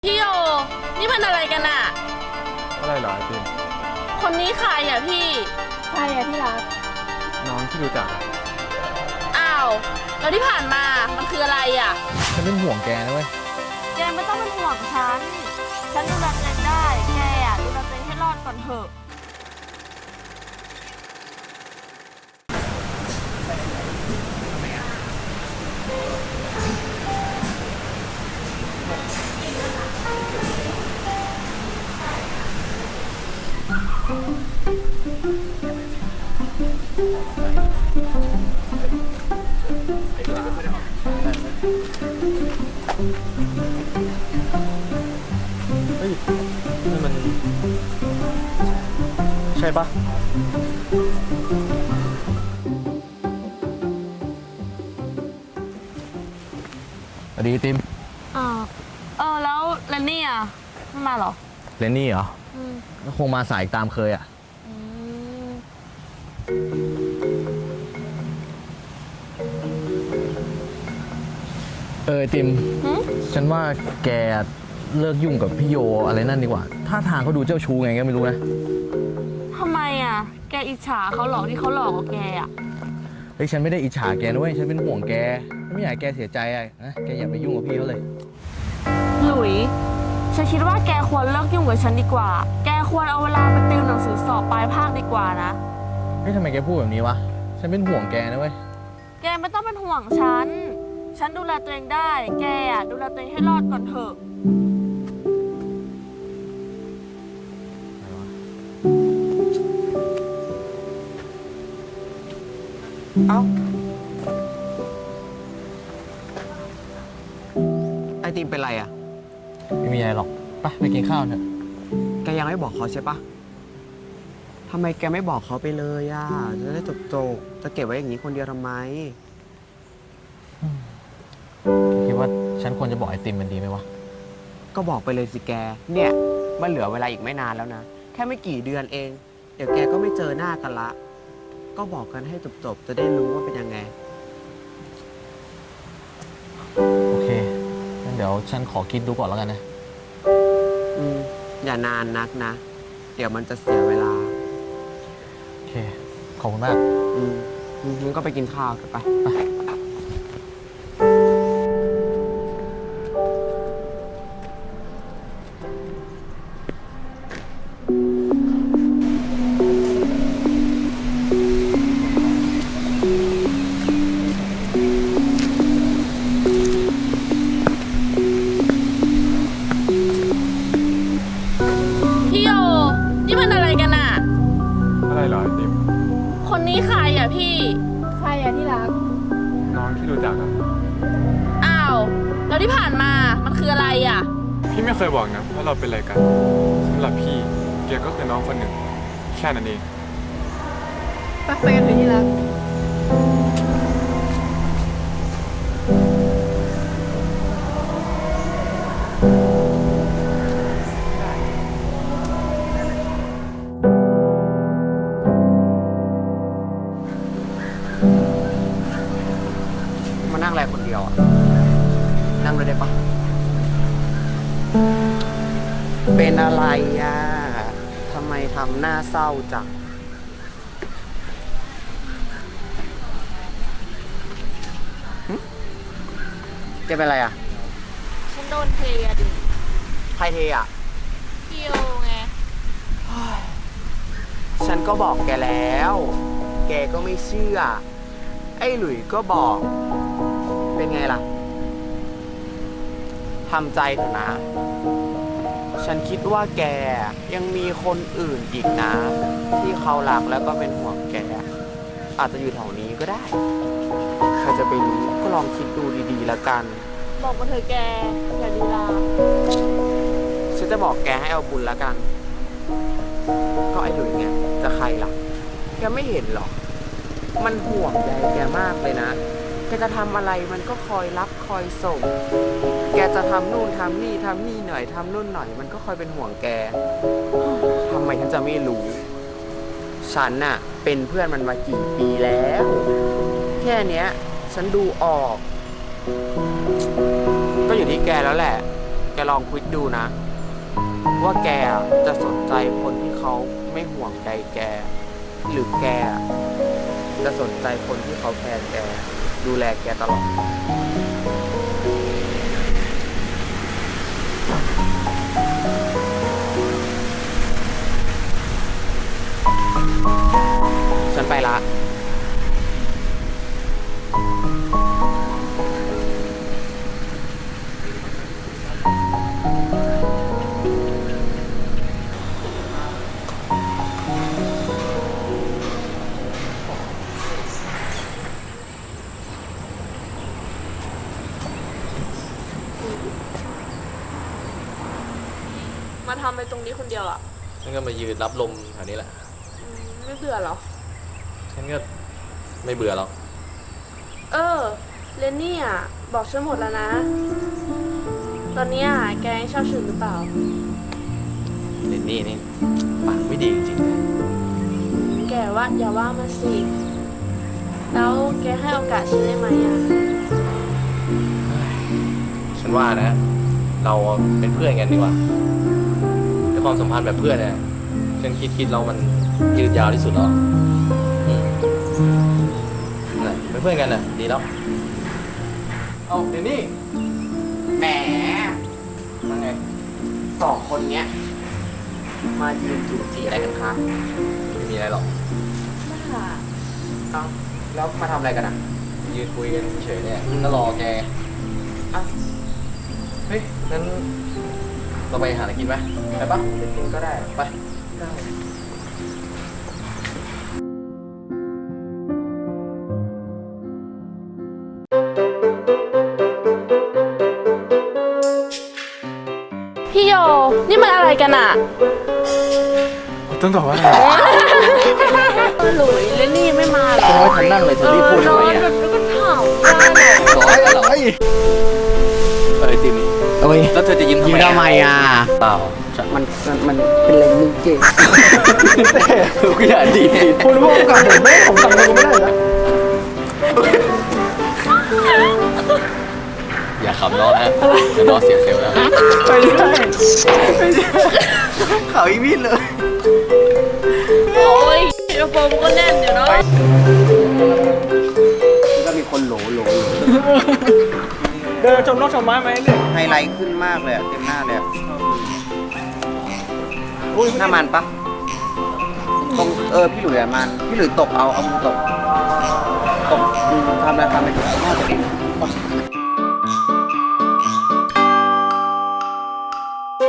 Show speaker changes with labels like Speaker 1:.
Speaker 1: พี่โยนี่มันอะไรกันอะ
Speaker 2: อะไรเหรอไอติม
Speaker 1: คนนี้ใครอะพี่
Speaker 3: ใครอะที่รัก
Speaker 2: น้องที่รู้จักอะ
Speaker 1: อ้าวแล้วที่ผ่านมามันคืออะไรอะ
Speaker 2: ฉันเป็นห่วงแกนะเว้ย
Speaker 3: แกไม่ต้องเป็นห่วงฉันดูแลตัวเองได้ แกอะดูแลตัวเองให้รอดก่อนเถอะ
Speaker 2: เฮ้ยนี่มันใช่ปะสวัสดีติม
Speaker 3: แล้วแลนนี่อะไม่มาเหรอ
Speaker 2: เลนนี่เหรอก็คงมาสายตามเคยอ่ะติมฉันว่าแกเลิกยุ่งกับพี่โยอะไรนั่นดีกว่าท่าทางเขาดูเจ้าชู้ไงก็ไม่รู้นะ
Speaker 3: ทำไมอะแกอิจฉาเขาหรอที่เขาหลอกกับแกอะ
Speaker 2: เฮ้ยฉันไม่ได้อิจฉาแกนะเว้ยฉันเป็นห่วงแกไม่อยากให้แกเสียใจอะนะแกอย่าไปยุ่งกับพี่เขาเลย
Speaker 3: หลุยฉันคิดว่าแกควรเลิกยุ่งกับฉันดีกว่าแกควรเอาเวลาไปติวหนังสือสอบปลายภาคดีกว่านะ
Speaker 2: เฮ้ยทำไมแกพูดแบบนี้วะฉันเป็นห่วงแกนะเว้ย
Speaker 3: แกไม่ต้องเป็นห่วงฉันดูแลตัวเองได้ แกอะดูแลตัวเองให้รอดก่อนเถอะ
Speaker 4: เอ้าไอติมเป็นไรอ่ะ
Speaker 2: ไม่มีอะไรหรอกไปกินข้าวเถอะ
Speaker 4: แกยังไม่บอกเขาใช่ปะทำไมแกไม่บอกเขาไปเลยอ่ะจะได้จบจะเก็บไว้อย่างนี้คนเดียวทำไม
Speaker 2: คิดว่าฉันควรจะบอกไอติมมันดีไหมวะ
Speaker 4: ก็บอกไปเลยสิแกเนี่ยมันเหลือเวลาอีกไม่นานแล้วนะแค่ไม่กี่เดือนเองเดี๋ยวแกก็ไม่เจอหน้ากันละก็บอกกันให้จบจะได้รู้ว่าเป็นยังไง
Speaker 2: โอเคงั้นเดี๋ยวฉันขอคิดดูก่อนแล้วกันนะ
Speaker 4: อย่านานนักนะเดี๋ยวมันจะเสียเวลา
Speaker 2: โอเคขอบคุณมาก
Speaker 4: มึงก็ไปกินข้าวกันไป
Speaker 1: พี่โยนี่มันอะไรกันอะ
Speaker 2: อะไรเหรอไอติม
Speaker 1: คนนี้ใครอะพี่
Speaker 3: ใครอะที่รัก
Speaker 2: น้องที่รู้จักอะ
Speaker 1: อ้าวแล้วที่ผ่านมามันคืออะไรอะ
Speaker 2: พี่ไม่เคยบอกนะว่าเราเป็นอะไรกันสำหรับพี่แกก็คือน้องคนหนึ่งแค่นั้นเอง
Speaker 3: ไปกันเถอะที่รัก
Speaker 4: มานั่งอะไรคนเดียวอ่ะนั่งเลยได้ปะเป็นอะไรอ่ะทำไมทำหน้าเศร้าจังจะเป็นอะไรอ่ะ
Speaker 3: ฉันโดนเทอะดิ
Speaker 4: ใครเทอ่ะ
Speaker 3: พี่โยไง
Speaker 4: ฉันก็บอกแกแล้ว แกก็ไม่เชื่อไอ้หลุยก็บอกเป็นไงล่ะทำใจเถอะนะฉันคิดว่าแกยังมีคนอื่นอีกนะ ที่เขารักแล้วก็เป็นห่วงแกอาจจะอยู่แถวนี้ก็ได้ใครจะไปรู้ก็ลองคิดดูดีๆแล้วกัน
Speaker 3: บอกมาเถอะแกอย่าลีลา
Speaker 4: ฉันจะบอกแกให้เอาบุญแล้วกันก็ไอ้หลุยไงจะใครล่ะแกไม่เห็นหรอมันห่วงใยแกมากเลยนะแกจะทำอะไรมันก็คอยรับคอยส่งแกจะทำนู่นทำนี่หน่อยทำนู่นหน่อยมันก็คอยเป็นห่วงแกทำไมฉันจะไม่รู้ฉันน่ะเป็นเพื่อนมันมากี่ปีแล้วแค่เนี้ยฉันดูออกก็อยู่ที่แกแล้วแหละแกลองคิดดูนะ ว่าแกจะสนใจคนที่เขาไม่ห่วงใยแก หรือแกจะสนใจคนที่เขาแคร์แก ดูแลแกตลอด ฉันไปละ
Speaker 3: มาทำไปตรงนี้คนเดียวอ่ะ
Speaker 2: ฉันก็มายืนรับลมแถวนี้แหละ
Speaker 3: ไม่เบื่อเหรอ
Speaker 2: ฉันก็ไม่เบื่อหรอก
Speaker 3: เออ เรนนี่อ่ะ บอกฉันหมดแล้วนะ ตอนเนี้ยแกยังชอบฉันหรือเปล่า
Speaker 2: เรนนี่นี่ปากไม่ดีจริง
Speaker 3: แกว่าอย่าว่ามาสิ แล้วแกให้โอกาสฉันได้ไหมอ่ะ
Speaker 2: ๆฉันว่านะ เราเป็นเพื่อนกันดีกว่าในความสัมพันธ์แบบเพื่อนเนี่ยฉันคิดแล้วมันยืดยาวที่สุดแล้วน่ะเป็นเพื่อนกันน่ะดีแล้วเอาเรนนี่
Speaker 4: แหมว่าไงสองคนเนี้ย มายืนจูบจีอะไรกันคะ
Speaker 2: ไม่มีอะไรหรอก
Speaker 4: เอ้าแล้วมาทำอะไรกันอ่ะ
Speaker 2: ยืนคุยกันเฉยๆเนี่ยก็รอแก
Speaker 4: เอ้า
Speaker 2: เฮ้ยงั้นเราไปหาอะไรกินไหมไปปะ
Speaker 4: ไปกินก็ได้
Speaker 2: ไป
Speaker 4: ได้
Speaker 3: พี่โย นี่มันอะไรกันอ่ะ
Speaker 2: ต้องตอบว่า
Speaker 3: หลุยเรนนี่ยังไม่มาเหรอ
Speaker 2: ไม่ทันนั่งเลยจะรีบพูดทำไม
Speaker 3: นอน
Speaker 2: อ่ะ
Speaker 3: แบบแล้วก็ถามได้เหรอ
Speaker 2: ร้อยติม
Speaker 4: เอ้ย
Speaker 2: แล้วเธอจะยิ้มทำ
Speaker 4: ยิ้ม
Speaker 2: ไม
Speaker 4: ทำไมอ่ะ
Speaker 2: เปล่า
Speaker 4: มันเป็นอะไรมึงเจ๊
Speaker 2: ก็อย่าดี
Speaker 4: คุณพูดกับผมไม่ผมสั่งผมไม่ได้นะ
Speaker 2: อย่าขำน้องนะเดี๋ยวน้องเสียเซลล์แล้ว
Speaker 4: เขาอีวินเลย
Speaker 3: โอ้ยกระโปรงก็แน่นอยู่เนาะ
Speaker 4: ก็มีคนโหล
Speaker 5: เดินชมนกชมไม้ไหมเนี่ย
Speaker 4: ไฮไลท์ขึ้นมากเลยอะเต็มหน้าเลยอะหน้ามันปะตรงพี่หลุยอะมัน พี่หลุยตบเอามือตบทำอะไรทำไปน่าจะดี